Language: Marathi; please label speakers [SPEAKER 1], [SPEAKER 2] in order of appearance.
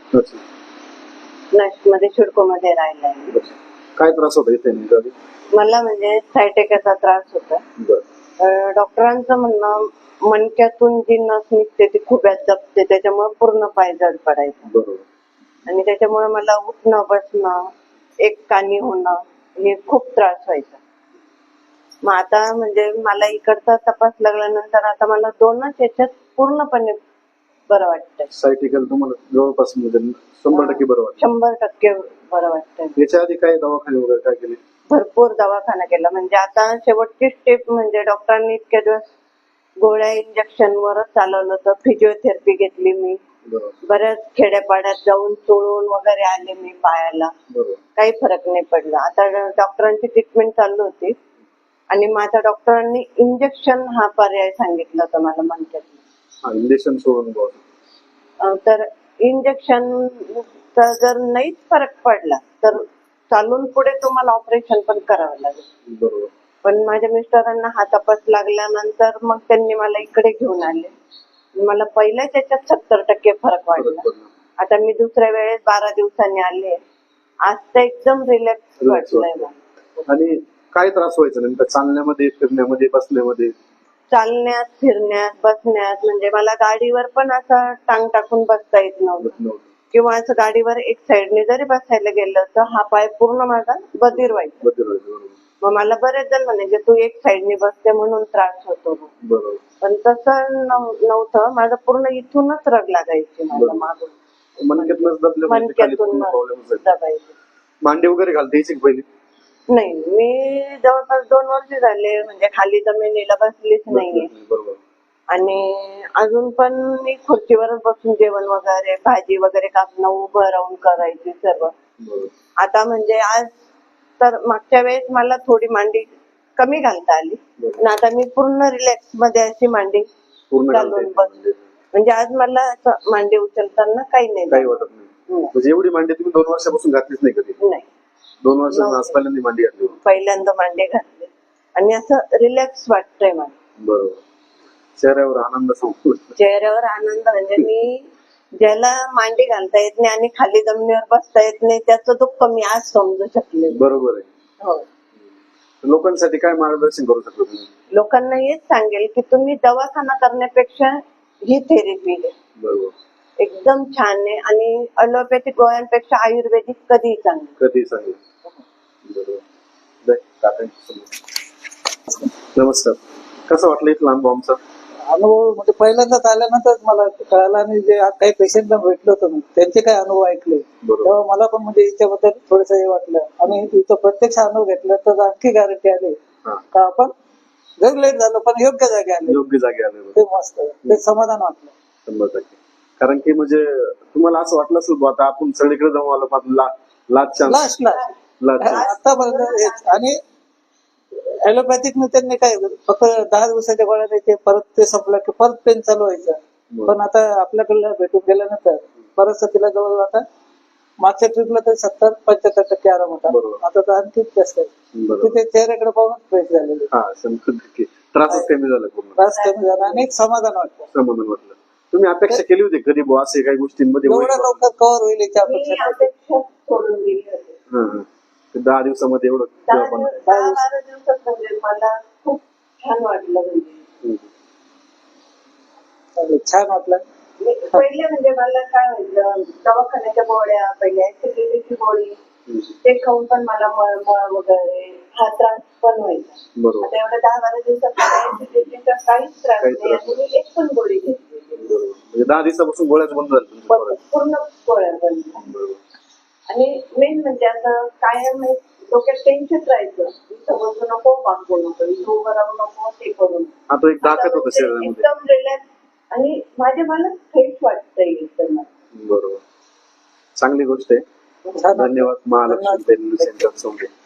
[SPEAKER 1] नाशिकमध्ये शिडकोमध्ये राहिलाय.
[SPEAKER 2] काय त्रास होता इथे नेमका?
[SPEAKER 1] मला म्हणजे सायटिकाचा त्रास होता. डॉक्टरांचं म्हणणं मणक्यातून जी नस निघते ती खुब्यात दबते, त्याच्यामुळे पूर्ण पाय जड पडायचा आणि त्याच्यामुळे मला उठणं बसणं एक कानी होणं हे खूप त्रास व्हायचा. मग आता म्हणजे मला इकडचा तपास लागल्यानंतर आता मला 2च याच्यात पूर्णपणे बरं वाटतंय.
[SPEAKER 2] सायटिकल तुम्हाला जवळपास 100% बरं वाटतं?
[SPEAKER 1] 100% बरं वाटतंय.
[SPEAKER 2] याच्या आधी काय दवाखाने वगैरे काय केले?
[SPEAKER 1] भरपूर दवाखाना केला. म्हणजे आता शेवटची स्टेप म्हणजे डॉक्टरांनी इतक्या दिवस गोळ्या इंजेक्शन वरच चालवलं होतं. फिजिओथेरपी घेतली मी. बऱ्याच खेड्यापाड्यात जाऊन चोळून वगैरे आले मी पायाला. काही फरक नाही पडला. आता डॉक्टरांची ट्रीटमेंट चालू होती आणि माझ्या डॉक्टरांनी इंजेक्शन हा पर्याय सांगितला होता मला मणक्यात.
[SPEAKER 2] इंजेक्शन सोडून
[SPEAKER 1] तर इंजेक्शन जर नाहीच फरक पडला तर चालून पुढे तुम्हाला ऑपरेशन पण करावं लागेल. पण माझ्या मिस्टरांना हा तपास लागल्यानंतर मग त्यांनी मला इकडे घेऊन आले. मला पहिल्याच याच्यात 70% फरक वाटला. आता मी दुसऱ्या वेळेस 12 दिवसांनी आले. आज तर एकदम रिलॅक्स वाटलंय मला.
[SPEAKER 2] आणि काय त्रास व्हायचा नेमका चालण्यामध्ये, फिरण्यामध्ये, बसण्यामध्ये?
[SPEAKER 1] चालण्यात, फिरण्यात, बसण्यात. म्हणजे मला गाडीवर पण असं टांग टाकून बसता येत नव्हतं किंवा असं गाडीवर एक साईडने जरी बसायला गेलं तर हा पाय पूर्ण माझा बधीर व्हायचा. मग मला बरेच जण म्हणायचे तू एक साईडने बसते म्हणून त्रास होतो. पण तसं नव्हतं. माझं पूर्ण इथूनच रग लागायची मला मागून, मणक्यातून दबायची.
[SPEAKER 2] मांडी वगैरे घालता यायची पहिली?
[SPEAKER 1] नाही, मी जवळपास 2 वर्ष झाले म्हणजे खाली जमिनीला बसलीच नाहीये. आणि अजून पण मी खुर्चीवरच बसून जेवण वगैरे, भाजी वगैरे कापणं उभं राहून करायची सर्व. आता म्हणजे आज तर मागच्या वेळेस मला थोडी मांडी कमी घालता आली आणि आता मी पूर्ण रिलॅक्स मध्ये अशी मांडी घालून बसते. म्हणजे आज मला असं मांडी उचलताना काही नाही
[SPEAKER 2] वाटत. म्हणजे एवढी मांडी तुम्ही 2 वर्षापासून घातलीच नाही कधी?
[SPEAKER 1] नाही,
[SPEAKER 2] 2 वर्षांपासून पहिल्यांदा मांडी घातली?
[SPEAKER 1] पहिल्यांदा मांडी घातली आणि असं रिलॅक्स वाटतंय मला.
[SPEAKER 2] बरोबर. चेहऱ्यावर आनंद
[SPEAKER 1] चेहऱ्यावर आनंद म्हणजे मी ज्याला मांडी घालता येत नाही आणि खाली जमिनीवर बसता येत नाही त्याचं दुःख मी आज समजू शकले.
[SPEAKER 2] बरोबर आहे.
[SPEAKER 1] हो.
[SPEAKER 2] लोकांसाठी काय मार्गदर्शन करू शकतो तुम्ही?
[SPEAKER 1] लोकांना हेच सांगेल की तुम्ही दवाखाना करण्यापेक्षा ही थेरपी घ्या. बरोबर. एकदम छान आहे आणि अलोपॅथिक गोळ्यांपेक्षा आयुर्वेदिक कधीही चांगलं.
[SPEAKER 2] नमस्कार. कसं वाटलं इथला अनुभव आमचा?
[SPEAKER 3] अनुभव म्हणजे पहिल्यांदाच आल्यानंतर मला कळाला आणि जे काही पेशंटला भेटलो होतो मी त्यांचे काही अनुभव ऐकले तेव्हा मला पण म्हणजे याच्याबद्दल थोडस हे वाटलं. आणि इथं प्रत्यक्ष अनुभव घेतला तर आणखी गॅरंटी आली का आपण जर लेट झालो पण योग्य जागी आले. ते मस्त, ते समाधान वाटलं
[SPEAKER 2] 100%. कारण की म्हणजे तुम्हाला असं वाटलं असेल आता आपण सगळीकडे जाऊ आलो पण लास्ट
[SPEAKER 3] आतापर्यंत. आणि ऍलोपॅथिक त्यांनी काय फक्त 10 दिवसाच्या गोळ्या द्यायचे, परत ते संपलं की परत पेन चालू व्हायचं. पण आता आपल्याकडे भेटून गेल्यानंतर परत तिला जवळ आता मागच्या ट्रिपला तर 70-75% आराम होता. आता तर आणखी जास्त आहे. ते चेहऱ्याकडे पाहूनच फ्रेश झालेले.
[SPEAKER 2] त्रास कमी झाला
[SPEAKER 3] आणि एक समाधान वाटलं.
[SPEAKER 2] तुम्ही अपेक्षा केली होती कधी असे काही गोष्टींमध्ये
[SPEAKER 3] एवढ्या लवकर कव्हर होईल याची अपेक्षा
[SPEAKER 1] सोडून गेली होती.
[SPEAKER 2] 10 दिवसामध्ये एवढं
[SPEAKER 1] 10-12 दिवसात म्हणजे मला खूप छान वाटलं.
[SPEAKER 3] छान वाटलं.
[SPEAKER 1] पहिले म्हणजे मला काय व्हायचं दवाखान्याच्या गोळ्या, पहिले ऍसिडिटीची गोळी ते खाऊन पण मला मळमळ वगैरे हा त्रास पण व्हायचा. आता एवढ्या 10-12 दिवसात ऍसिडिटीचा काहीच त्रास नाही आणि मी एक पण गोळी घेतली.
[SPEAKER 2] 10 दिवसापासून गोळ्याच बंद झाल्या?
[SPEAKER 1] पूर्ण गोळ्या बंद झाल्या. आणि मेन म्हणजे आता कायम डोक्यात टेन्शन राहायचं, इथं बसू नको, वाकू नको, इथं उभं राहू नको, ते करून
[SPEAKER 2] आता एक ताकद होतं शरीरामध्ये.
[SPEAKER 1] एकदम रिलॅक्स आणि मला फ्रेश वाटतंय एकदम.
[SPEAKER 2] बरोबर, चांगली गोष्ट आहे. धन्यवाद महालक्ष्मी सेंटर.